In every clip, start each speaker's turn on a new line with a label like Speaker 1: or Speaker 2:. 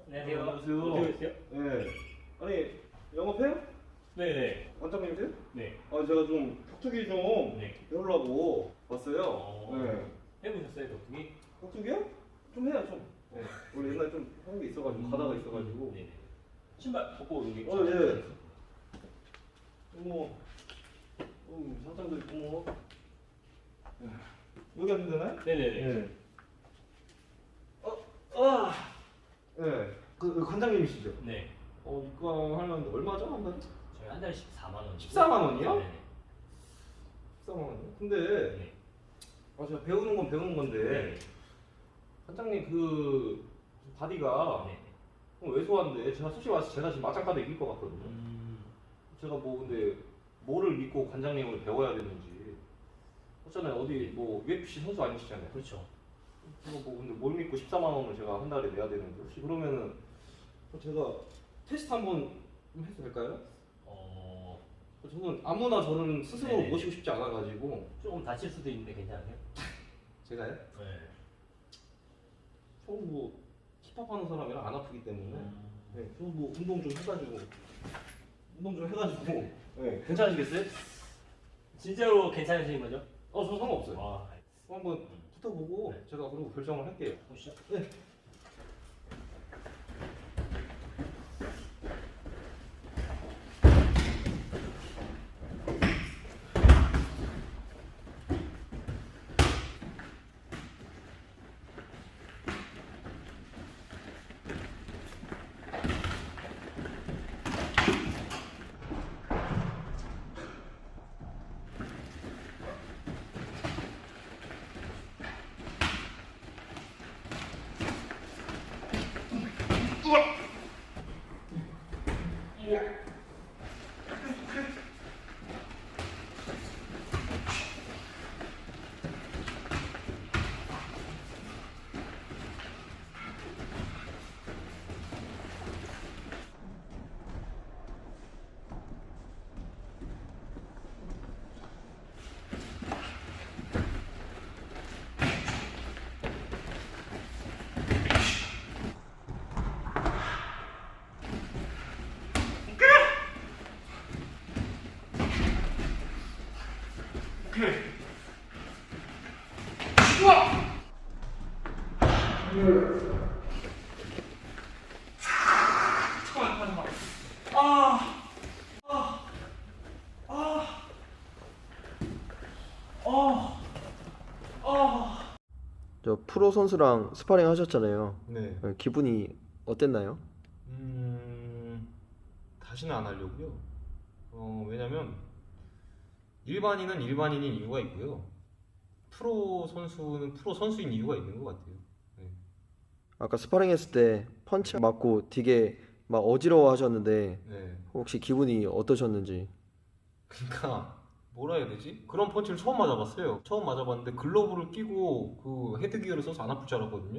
Speaker 1: 안녕하세요.
Speaker 2: 안녕하세요.
Speaker 1: 어떻게 계세요?
Speaker 2: 네. 아니 영업해요?
Speaker 1: 네네.
Speaker 2: 원장님들?
Speaker 1: 네.
Speaker 2: 제가 좀 격투기 좀
Speaker 1: 네.
Speaker 2: 배우려고 왔어요. 네.
Speaker 1: 해보셨어요, 격투기?
Speaker 2: 격투기요? 좀 해요 좀. 네. 원래 옛날에 좀 하는 게 있어가지고 가다가 있어가지고.
Speaker 1: 네네. 신발 벗고 여기.
Speaker 2: 예. 어머. 상장도 있고 뭐. 여기 앉으면 되나요?
Speaker 1: 네네네.
Speaker 2: 네. 네. 그 관장님이시죠?
Speaker 1: 네.
Speaker 2: 이거 하려는데 얼마죠 한 달에?
Speaker 1: 저희 한 달에 14만 원.
Speaker 2: 14만 원이요?
Speaker 1: 네네.
Speaker 2: 14만 원이요? 근데
Speaker 1: 네.
Speaker 2: 제가 배우는 건 배우는 건데
Speaker 1: 네.
Speaker 2: 관장님 그 바디가
Speaker 1: 네.
Speaker 2: 좀 왜소한데 제가 솔직히 말해서 제가 지금 맞짱가도 이길 것 같거든요. 제가 뭐 근데 뭐를 믿고 관장님을 배워야 되는지 어쩌나요? 어디 뭐 UFC 선수 아니시잖아요.
Speaker 1: 그렇죠.
Speaker 2: 제가 뭐 근데 뭘 믿고 14만 원을 제가 한 달에 내야 되는지 혹시 그러면은 제가 테스트 한번 좀 해도 될까요? 저는 아무나 저는 스스로
Speaker 1: 네네.
Speaker 2: 모시고 싶지 않아가지고.
Speaker 1: 조금 다칠 수도 있는데 괜찮으세요?
Speaker 2: 제가요?
Speaker 1: 네.
Speaker 2: 저는 뭐 힙합 하는 사람이라 안 아프기 때문에
Speaker 1: 네.
Speaker 2: 저는 뭐 운동 좀 해가지고 네. 괜찮으시겠어요?
Speaker 1: 진짜로 괜찮으신 거죠?
Speaker 2: 저 상관없어요.
Speaker 1: 아,
Speaker 2: 한번 붙어보고
Speaker 1: 네.
Speaker 2: 제가 그리고 결정을 할게요.
Speaker 1: 보시죠.
Speaker 2: 네.
Speaker 3: 저 프로 선수랑 스파링 하셨잖아요.
Speaker 2: 네.
Speaker 3: 기분이 어땠나요?
Speaker 2: 다시는 안 하려고요. 왜냐면 일반인은 일반인인 이유가 있고요. 프로 선수는 프로 선수인 이유가 있는 것 같아요. 네.
Speaker 3: 아까 스파링 했을 때 펀치 맞고 되게 막 어지러워 하셨는데
Speaker 2: 네.
Speaker 3: 혹시 기분이 어떠셨는지.
Speaker 2: 그러니까 뭐라 해야 되지? 그런 펀치를 처음 맞아봤어요. 처음 맞아봤는데 글러브를 끼고 그 헤드기어를 써서 안 아플 줄 알았거든요.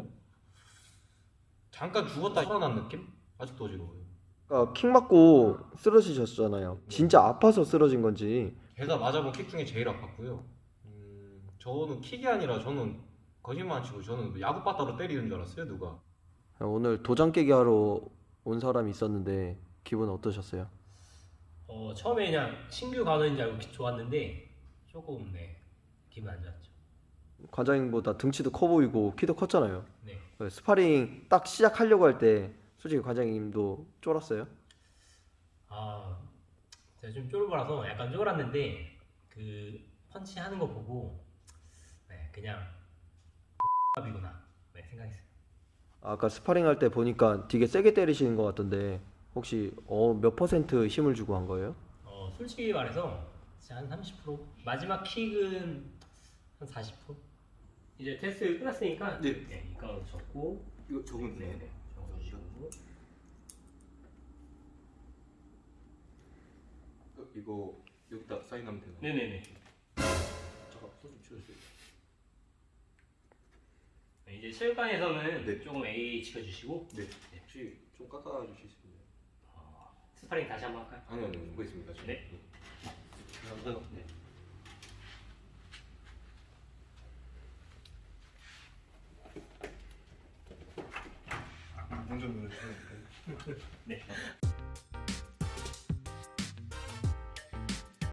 Speaker 2: 잠깐 죽었다 살아난 느낌? 아직도 어지러워요.
Speaker 3: 아까 킥 맞고 쓰러지셨잖아요. 진짜 아파서 쓰러진 건지.
Speaker 2: 제가 맞아본 킥 중에 제일 아팠고요. 저는 킥이 아니라 저는 거짓말 안 치고 저는 야구 바따로 때리는 줄 알았어요, 누가.
Speaker 3: 오늘 도장 깨기 하러 온 사람이 있었는데 기분 어떠셨어요?
Speaker 1: 처음에 그냥 신규 간호인 줄 알고 좋았는데 조금 기분 안 좋았죠.
Speaker 3: 관장님보다 등치도 커 보이고 키도 컸잖아요.
Speaker 1: 네.
Speaker 3: 스파링 딱 시작하려고 할 때 솔직히 관장님도 쫄았어요?
Speaker 1: 제가 좀 쫄보라서 약간 쫄았는데 그 펀치 하는 거 보고 그냥 X이구나 생각했어요.
Speaker 3: 아까 스파링 할 때 보니까 되게 세게 때리시는 것 같던데 혹시 몇 퍼센트 힘을 주고 한 거예요?
Speaker 1: 솔직히 말해서 진짜 한 30%? 마지막 킥은 한 40%? 이제 테스트 끝났으니까
Speaker 2: 네.
Speaker 1: 이거 적고
Speaker 2: 이거 적은
Speaker 1: 네네 적어주시고
Speaker 2: 이거 여기다 사인하면 되나요?
Speaker 1: 네네네.
Speaker 2: 잠깐 손좀 치워주세요.
Speaker 1: 이제 체육관에서는
Speaker 2: 네.
Speaker 1: 조금 A 지켜주시고
Speaker 2: 네. 혹시 좀 깎아주실 수 있나요?
Speaker 1: 스파링 다시 한번 할까요?
Speaker 2: 아니요, 뭐 있습니다. 지금.
Speaker 1: 네.
Speaker 2: 감사합니다.
Speaker 1: 네.
Speaker 4: 당첨 노래 주세요.
Speaker 1: 네.